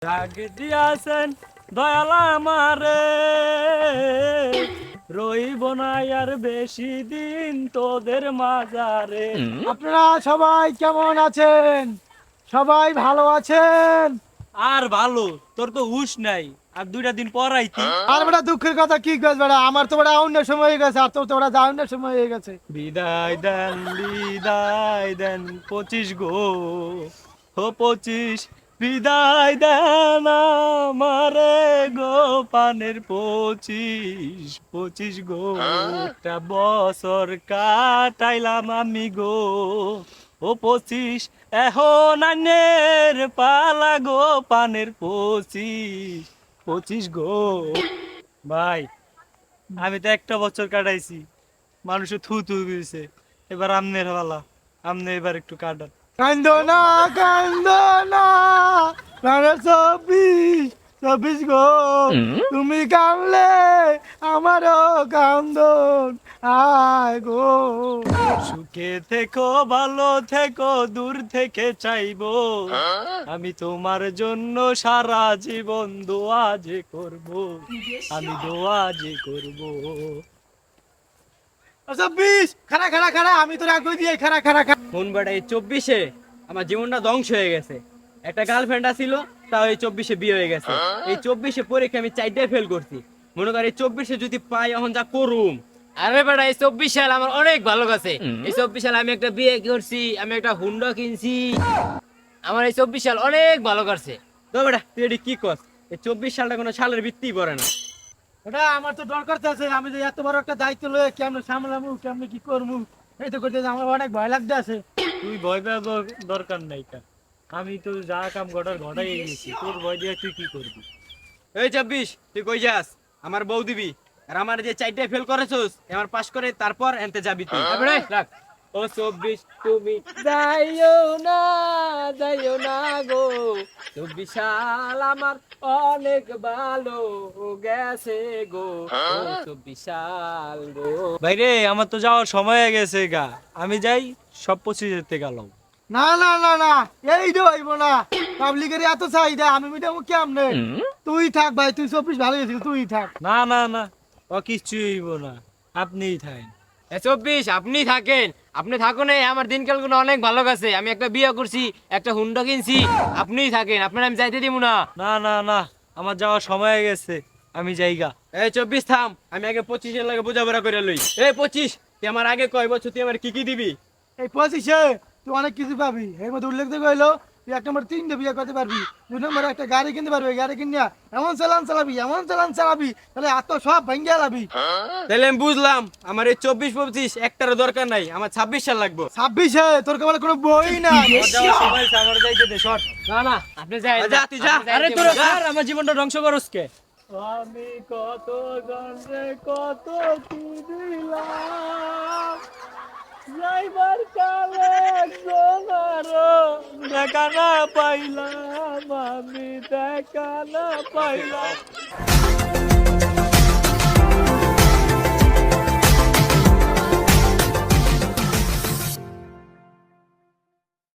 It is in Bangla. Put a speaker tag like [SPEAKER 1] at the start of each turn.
[SPEAKER 1] রাগ দিয়াছেন দয়াল আমারে, রইব না আর বেশি দিন তোদের মাঝারে।
[SPEAKER 2] আপনারা সবাই কেমন আছেন? সবাই ভালো আছেন?
[SPEAKER 1] আর ভালো, তোর তো হুশ নাই, আর 2টা দিন পর আইতি।
[SPEAKER 2] আর বেটা দুঃখের কথা কি কইস বেটা, আমার তো বেটা অন্য সময় হয়ে গেছে, আর তোর তো বেটা যাওয়ার সময় হয়ে গেছে।
[SPEAKER 1] বিদায় দেন 25 গো, ও 25 বিদায় দেন আমারে গো, পানের 25 গো। একটা বছর কাটাইলাম আমি গো, ও 25 এখন আনের পালা গো, পানের 25 গো। ভাই, আমি তো একটা বছর কাটাইছি, মানুষে থু থু দিয়েছে, এবার আমনের পালা, আমনে এবার একটু কাটান।
[SPEAKER 2] কান্দো না, কান্দো না, প্রাণের 24 গো, তুমি কানলে আমারও কান্দন আয় গো।
[SPEAKER 1] সুখে থেকো, ভালো থেকো, দূর থেকে চাইবো, আমি তোমার জন্য সারা জীবন দোয়া যে করবো, আমি দোয়া যে করবো।
[SPEAKER 2] 24 খাড়া খাড়া খাড়া, আমি তো রাগ দিয়ে খাড়া খাড়া খাড়া।
[SPEAKER 3] মন বেটা এই 24-এ আমার জীবনটা ধ্বংস হয়ে গেছে। একটা গার্লফ্রেন্ড ছিল, তাও এই 24-এ বিয়ে হয়ে গেছে। এই 24-এ পরীক্ষা আমি 4টায় ফেল করছি। মনে কর এই 24-এ যদি পাই এখন যা করুম। আরে বেটা এই 24 সাল আমার অনেক ভালো গেছে। এই 24 সাল আমি একটা বিয়ে করছি, আমি একটা হুন্ডা কিনছি। আমার এই 24 সাল অনেক ভালো কাটছে। তো বেটা তুই এটি কি কস? এই 24 সালটা কোনো সালের ভিত্তিই পড়ে না।
[SPEAKER 2] ওটা আমার তো দরকার আছে, আমি যে এত বড় একটা দায়িত্ব লয়ে কেমনে সামলামু, কেমনে কি করবো, এই তো করতে আমার অনেক ভয় লাগতে আছে।
[SPEAKER 1] তুই ভয় পাওয়ার দরকার নাই কা, আমি তো যা কাম ঘটাই গেছি, তোর ভয় দিয়ে তুই কি করবি?
[SPEAKER 3] এই 24 তুই কই যাস? আমার বউ দিবি। আর আমার যে 4টায় ফেল করেছস, আমার পাস করে তারপর এনতে যাবি তুই। তারপরে রাখ। ও 24 তুমি যাইও না গো। 24 সাল আমার অনেক ভালো গেছে গো। ও 24 সাল গো।
[SPEAKER 1] ভাইরে, আমার তো যাওয়ার সময় হয়ে গেছে গা, আমি যাই, সব 25 তে গেলাম।
[SPEAKER 2] না না না না, এই তো হইব না, পাবলিকের এত চাহিদা, আমি মিটাবো কেমনে? তুই থাক ভাই, তুই 24 ভালো গেছিস, তুই থাক।
[SPEAKER 1] না না না, ও কিচ্ছু হইব না, আপনিই থাকেন।
[SPEAKER 3] 24 আপনি থাকেন, আপনি থাকুন, আমার দিনকাল গুলো অনেক ভালো গেছে। আমি একটা বিয়ে করছি, একটা হুন্ডা কিনছি, আপনিই থাকেন, আপনার আমি যাইতে দিব না।
[SPEAKER 1] না না না, আমার যাওয়ার সময় হয়ে গেছে, আমি যাইগা।
[SPEAKER 3] এই 24 থাম, আমি আগে 25-এর লাগে বোঝাপড়া করে লই। এই 25 তুই আমার আগে কয় বছর তুই আমার কি কি দিবি?
[SPEAKER 2] এই 25-এ তুই অনেক কিছু পাবি, এর মধ্যে উল্লেখ দেখে হইলো তুই 1 নম্বর 3টে বিয়ে করতে পারবি, 2 নম্বরে একটা গাড়ি কিনতে পারবি, গাড়ি কিনিয়া এমন চালান চালাবি তাহলে এত সব ভেঙ্গে লাবি।
[SPEAKER 3] তাহলে আমি বুঝলাম আমার এই 24-25 একটারও দরকার নাই, আমার 26 সাল লাগবে।
[SPEAKER 2] 26-এ তোর কেবল কোনো বই না।
[SPEAKER 1] আমার যাওয়ার সময় হয়েছে, আমার যাইতে দে, শর্ট।
[SPEAKER 3] না না আপনি যাই, যা তুই যা।
[SPEAKER 1] আরে তোর স্যার, আমার জীবনটা ধ্বংস করস কে? আমি কত জনরে কত কি দিলাম, যাইবার কালে একজনারও দেখা না পাইলাম, আমি দেখা না পাইলাম।